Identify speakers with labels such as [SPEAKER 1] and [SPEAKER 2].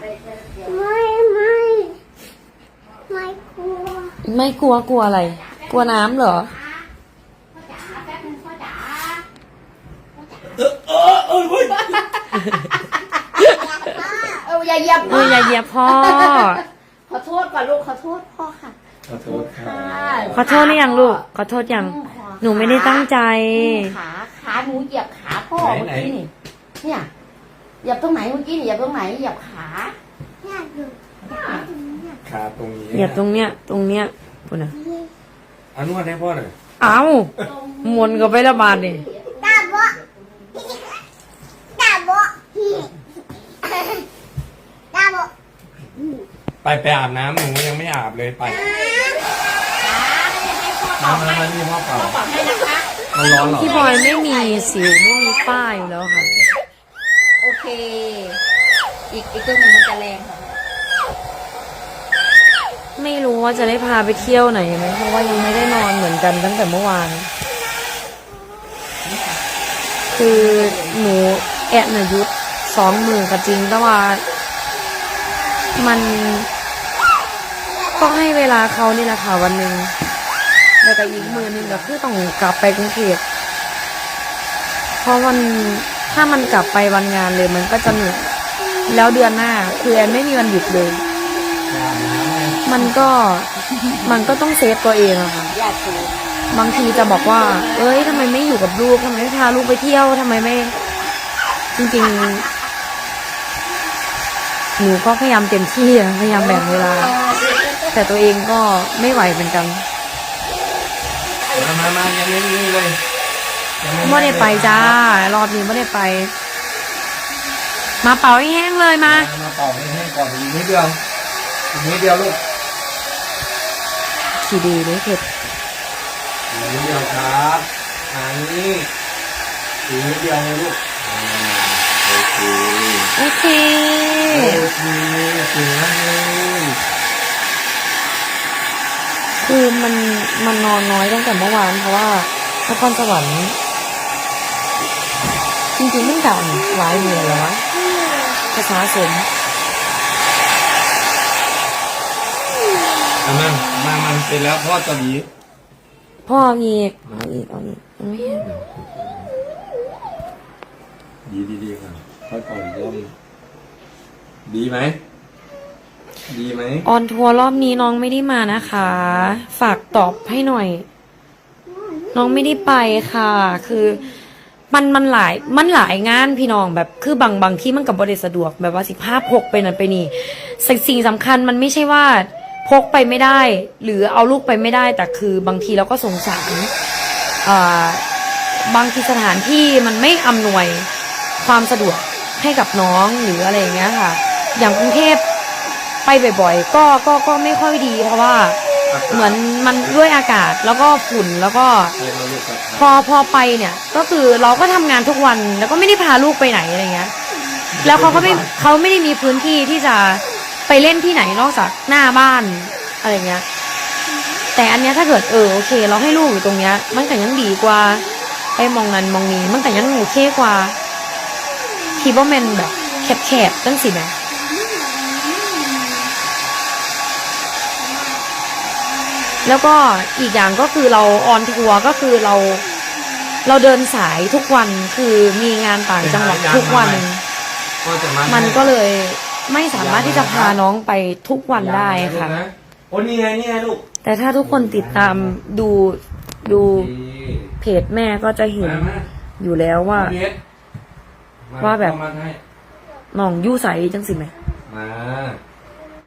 [SPEAKER 1] ไม่กลัว
[SPEAKER 2] ไม่กลัวกลัวอะไร กลัวน้ำเหรอ
[SPEAKER 1] อย่าเหยียบ
[SPEAKER 2] อย่าเหยียบพ่อ
[SPEAKER 1] ขอโทษก่อนลูกขอโทษพ่อค่ะ
[SPEAKER 3] ขอโทษค่ะ
[SPEAKER 2] ขอโทษหรือยังลูก ขอโทษยัง หนูไม่ได้ตั้งใจ
[SPEAKER 1] ขาหนูเหยียบขาพ่อเมื่อกี้นี่เนี่ยเหยียบตรงไหนเมื่อกี้นี่เหยียบตรงไหนเหยียบขา
[SPEAKER 3] ขาตรงนี้
[SPEAKER 2] เหยียบตรงเนี้ยปุ่นอ่ะ
[SPEAKER 3] เอานวดให้พ่อหน่อย
[SPEAKER 2] เอามวนก็ไปละบาดดิ
[SPEAKER 1] ตาบอตาบอตาบอ
[SPEAKER 3] ไปอาบน้ำหนูยังไม่อาบเลยไปมานี่พ่อเป่า
[SPEAKER 1] ปรับให้นะคะ
[SPEAKER 3] มันร้อนเหรอ
[SPEAKER 2] พี่บอยไม่มีสิวไม่มีป้ายอยู่แล้วค่ะ
[SPEAKER 1] โอเค อีกตัวหนึ่งมันจะแรงค่ะ
[SPEAKER 2] ไม่รู้ว่าจะได้พาไปเที่ยวไหนไหมเพราะว่ายังไม่ได้นอนเหมือนกันตั้งแต่เมื่อวาน คือหนูแอะน่ะยุด2 มือก็จริงแต่ว่ามันต้องให้เวลาเขานี่แหละค่ะวันหนึ่งแล้วก็อีกมือหนึงก็คือต้องกลับไปกรุงเทพเพราะถ้ามันกลับไปวันงานเลยมันก็จะเหนื่อยแล้วเดือนหน้าคือแอนไม่มีวันหยุดเลย
[SPEAKER 3] อาบน้ำไง
[SPEAKER 2] มันก็ต้องเซฟตัวเองอะค่ะ
[SPEAKER 1] อยากดู
[SPEAKER 2] บางทีจะบอกว่า เอ้ยทำไมไม่อยู่กับลูกทำไมไม่พาลูกไปเที่ยวทำไมไม่ จริงๆหนูก็พยายามเต็มที่อะพยายามแบ่งเวลา แต่ตัวเองก็ไม่ไหวเหมือนกัน
[SPEAKER 3] มายังไม่นี่เลยยัง
[SPEAKER 2] ไม่ได้ไปจ้ารอบนี้ไม่ได้ไป มาเป่าให้แห้งเลยมา
[SPEAKER 3] มาเป่าให้แห้งก่อนอีกนิดเดียวลูก
[SPEAKER 2] ทีดีเลยเผ็ด
[SPEAKER 3] อีกนิดเดียวครับอันนี้อีกนิดเดียวเลยลูกโอเค
[SPEAKER 2] โอเค
[SPEAKER 3] โอเคสวยมากเลย
[SPEAKER 2] คือมันนอนน้อยตั้งแต่เมื่อวานเพราะว่านครสวรรค์จริงๆมันกันหลายมือแล้วนะภาษาสม
[SPEAKER 3] เอามันเสร็จแล้วพ่อจะหวี
[SPEAKER 2] พ่ออีกเอาอีกไม่เห็น
[SPEAKER 3] ดีค่ะพ่อก่อนร่มดีไหม
[SPEAKER 2] ออนทัวร์รอบนี้น้องไม่ได้มานะคะ ฝากตอบให้หน่อย น้องไม่ได้ไปค่ะ คือมันหลายงานพี่น้องแบบคือบางที่มันกับบริสะดวกแบบว่าสิภาพพกไปนั่นไปนี่สิ่งสำคัญมันไม่ใช่ว่าพกไปไม่ได้ หรือเอาลูกไปไม่ได้แต่คือบางทีเราก็สงสารบางทีสถานที่มันไม่อำนวยความสะดวกให้กับน้องหรืออะไรอย่างเงี้ยค่ะ อย่างกรุงเทพไปบ่อยๆก็ไม่ค่อยดีเพราะว่าเหมือนมันด้วยอากาศแล้วก็ฝุ่นแล้วก็พอไปเนี่ยก็คือเราก็ทำงานทุกวันแล้วก็ไม่ได้พาลูกไปไหนอะไรเงี้ยแล้วเขาไม่ได้มีพื้นที่ที่จะไปเล่นที่ไหนนอกจากหน้าบ้านอะไรเงี้ยแต่อันเนี้ยถ้าเกิดโอเคเราให้ลูกอยู่ตรงเนี้ยมันก็ยังดีกว่าไปมองนั้นมองนี้มันก็ยังโอเคกว่าคิดว่ามันแบบแคบๆตั้งสินะแล้วก็อีกอย่างก็คือเราออนทัวร์ก็คือเราเดินสายทุกวันคือมีงานต่างจังหวัดทุกวันมันก็เลยไม่สามารถที่จะพาน้องไปทุกวันได้ค่ะ
[SPEAKER 3] โอ้นี่ไงลูก
[SPEAKER 2] แต่ถ้าทุกคนติดตามดูเพจแม่ก็จะเห็นอยู่แล้วว่าแบบน้องยู่ใสจังสิไหม
[SPEAKER 3] มา